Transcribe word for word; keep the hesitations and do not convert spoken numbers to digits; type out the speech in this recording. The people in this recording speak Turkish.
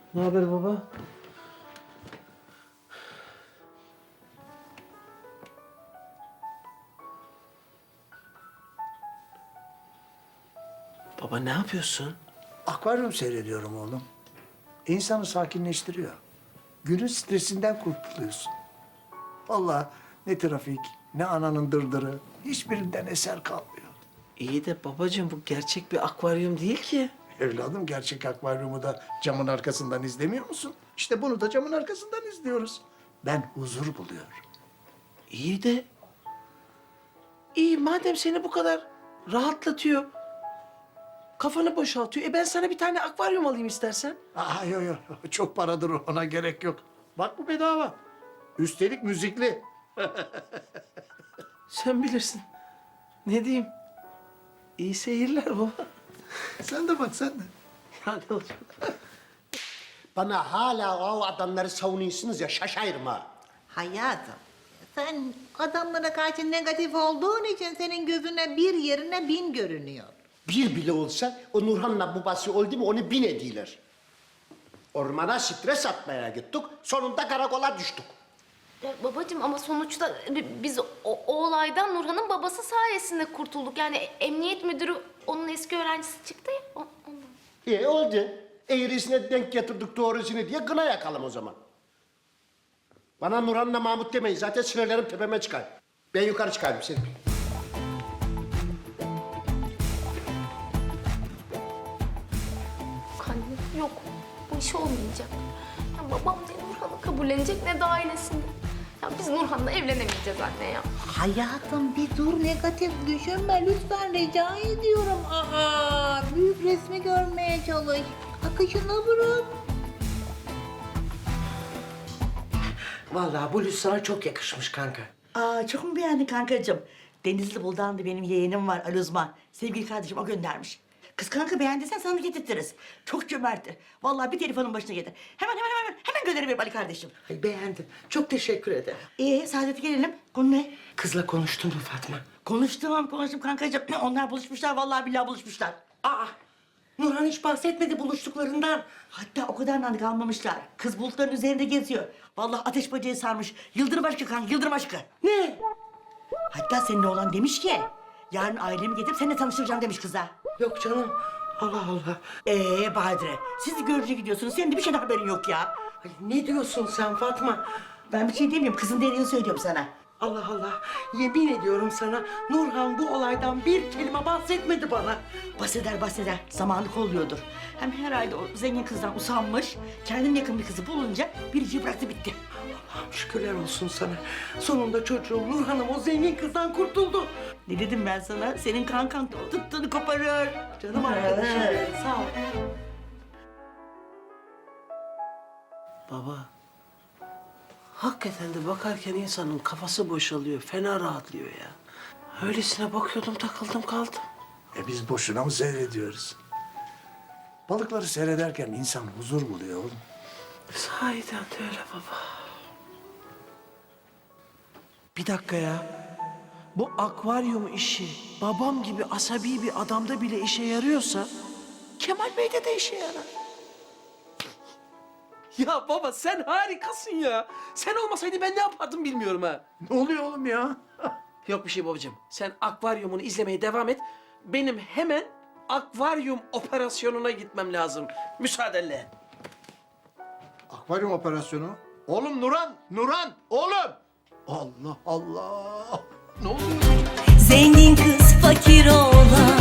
Ne haber baba? Baba ne yapıyorsun? Akvaryum seyrediyorum oğlum. İnsanı sakinleştiriyor. Günün stresinden kurtuluyorsun. Vallahi ne trafik, ne ananın dırdırı, hiçbirinden eser kalmıyor. İyi de babacığım bu gerçek bir akvaryum değil ki. Evladım gerçek akvaryumu da camın arkasından izlemiyor musun? İşte bunu da camın arkasından izliyoruz. Ben huzur buluyorum. İyi de... İyi madem seni bu kadar rahatlatıyor, kafanı boşaltıyor. E ben sana bir tane akvaryum alayım istersen. Aa yok yok çok paradır ona gerek yok. Bak bu bedava. Üstelik müzikli. Sen bilirsin. Ne diyeyim? İyi seyirler baba. Sen de bak sen de. Ya ne olacak? Bana hala o adamları savunuyorsunuz ya şaşayırım ha. Hayatım, sen adamlara karşı negatif olduğun için senin gözüne bir yerine bin görünüyor. Bir bile olsa o Nurhan'la babası oldu mu onu bin ediler. Ormana stres atmaya gittik, sonunda karakola düştük. Ya babacığım ama sonuçta bi- biz o, o olaydan Nurhan'ın babası sayesinde kurtulduk. Yani emniyet müdürü onun eski öğrencisi çıktı ya o- ondan. İyi oldu. Eğrisine denk getirdik doğrusunu diye gına yakalım o zaman. Bana Nurhan'la Mahmut demeyin, zaten sinirlerim tepeme çıkar. Ben yukarı çıkarım seni. Anne yok bu iş olmayacak. Ya babam ne Nurhan'ı kabullenecek ne de ailesini. Ya biz Nurhan'la evlenemeyeceğiz anne ya. Hayatım bir dur negatif düşünme lütfen rica ediyorum. Aa, büyük resmi görmeye çalış. Akışına bırak. Vallahi bu bluz sana çok yakışmış kanka. Aa, çok mu beğendin kankacığım? Denizli Buldan da benim yeğenim var Ali Uzman. Sevgili kardeşim o göndermiş. Kız kanka beğendiysen sana da getirtiriz. Çok cömerttir. Vallahi bir telefonun başına getir. Hemen hemen hemen hemen gönderiverim Ali kardeşim. Ay, beğendim. Çok teşekkür ederim. Ee Saadet'e gelelim. Konu ne? Kızla konuştun mu Fatma? Konuştum konuştum kankacığım. Onlar buluşmuşlar vallahi billahi buluşmuşlar. Aa, Nurhan hiç bahsetmedi buluştuklarından. Hatta o kadar nanık almamışlar. Kız bulutların üzerinde geziyor. Vallahi ateş böceği sarmış. Yıldırım aşkı kanka yıldırım aşkı. Ne? Hatta senin oğlan demiş ki... Yarın ailemi getirip seninle tanıştıracağım demiş kıza. Yok canım. Allah Allah. Ee Badire, siz de görücüye gidiyorsunuz. Senin de bir şeyden haberin yok ya. Ay, ne diyorsun sen Fatma? Ben bir şey demiyorum. Kızın dediğini söylüyorum sana. Allah Allah. Yemin ediyorum sana Nurhan bu olaydan bir kelime bahsetmedi bana. Bahseder bahseder. Zamanı kolluyordur. Hem herhalde o zengin kızdan usanmış. Kendine yakın bir kızı bulunca biriciyi bıraktı bitti. Allah'ım şükürler olsun sana. Sonunda çocuğum Nurhan'ım o zengin kızdan kurtuldu. Ne dedim ben sana? Senin kankan da o tuttuğunu koparır. Canım arkadaşım benim, sağ ol. Baba. Hakikaten de bakarken insanın kafası boşalıyor, fena rahatlıyor ya. Öylesine bakıyordum, takıldım kaldım. E biz boşuna mı seyrediyoruz? Balıkları seyrederken insan huzur buluyor oğlum. Sahiden de öyle baba. Bir dakika ya. Bu akvaryum işi babam gibi asabi bir adamda bile işe yarıyorsa... Kemal Bey'de de işe yarar. Ya baba sen harikasın ya. Sen olmasaydın ben ne yapardım bilmiyorum ha. Ne oluyor oğlum ya? Yok bir şey babacığım. Sen akvaryumunu izlemeye devam et. Benim hemen akvaryum operasyonuna gitmem lazım. Müsaadenle. Akvaryum operasyonu. Oğlum Nuran, Nuran, oğlum. Allah Allah. Ne oluyor? Zengin kız fakir oğlan